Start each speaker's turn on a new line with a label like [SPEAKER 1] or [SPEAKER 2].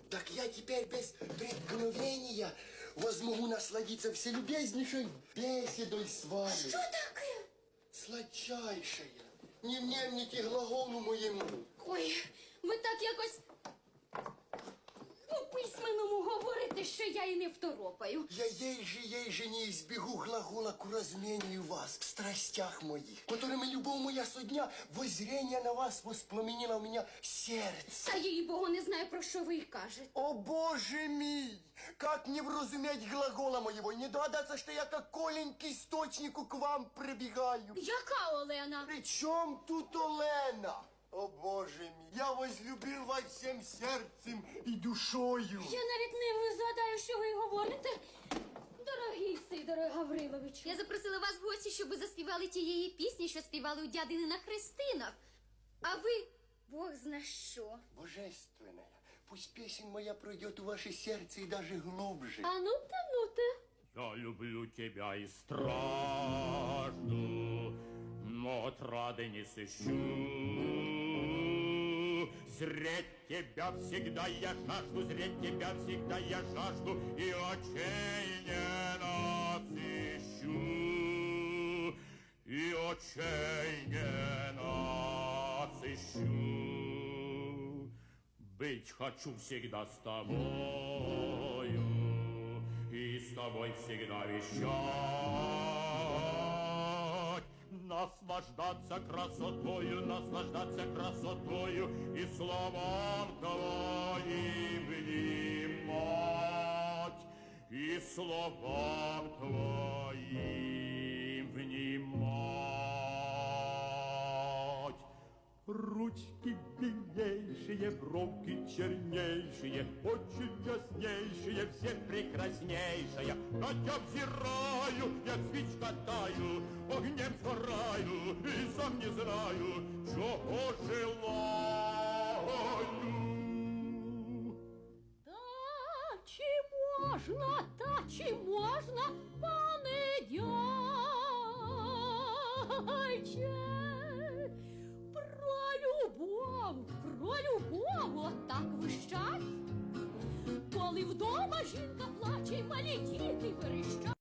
[SPEAKER 1] Так я теперь без преткновения возмогу насладиться вселюбезнейшей беседой с вами.
[SPEAKER 2] Що таке?
[SPEAKER 1] Сладчайшая. Не внемните глаголу моєму.
[SPEAKER 2] Ой, ви так якось по-письменному говорите, що я і не второпаю.
[SPEAKER 1] Я ей же не избегу глагола к размению вас в страстях моих, которыми любовь моя со дня воззрение на вас воспламенило у меня сердце.
[SPEAKER 2] Та їй-богу, не знаю, про що ви кажете.
[SPEAKER 1] О, Боже мій! Как не вразуметь глагола моего, не догадаться, что я как коленький источнику к вам прибегаю.
[SPEAKER 2] Яка Олена?
[SPEAKER 1] При чем тут Олена? О, Боже мій, я возлюбив вас всем сердцем і душою.
[SPEAKER 2] Я навіть не згадаю, що ви говорите. Дорогий Сидоре Гавриловичу.
[SPEAKER 3] Я запросила вас в гості, щоб ви заспівали тієї пісні, що співали у дядини на хрестинах. А ви, Бог зна що.
[SPEAKER 1] Божественная, пусть песен моя пройдет у ваше сердце и даже глубже.
[SPEAKER 2] А ну-та.
[SPEAKER 4] Я люблю тебя и стражду, но отрады не сыщу. Зреть тебя всегда я жажду, зреть тебя всегда я жажду, и очей не насыщу, и очей не насыщу. Быть хочу всегда с тобою, и с тобой всегда вещать, наслаждаться красотою и словам твоим внимать, и словам твоим внимать. Ручки белейшие, бровки чернейшие, очи яснейшие, все прекраснейшая. На тебя взираю, як свічка таю, огнем сгораю, и сам не знаю, чего желаю.
[SPEAKER 2] Та чи можна, пане дядьче? Про любов, отак вищать. Коли вдома жінка плаче, й малі діти верещать.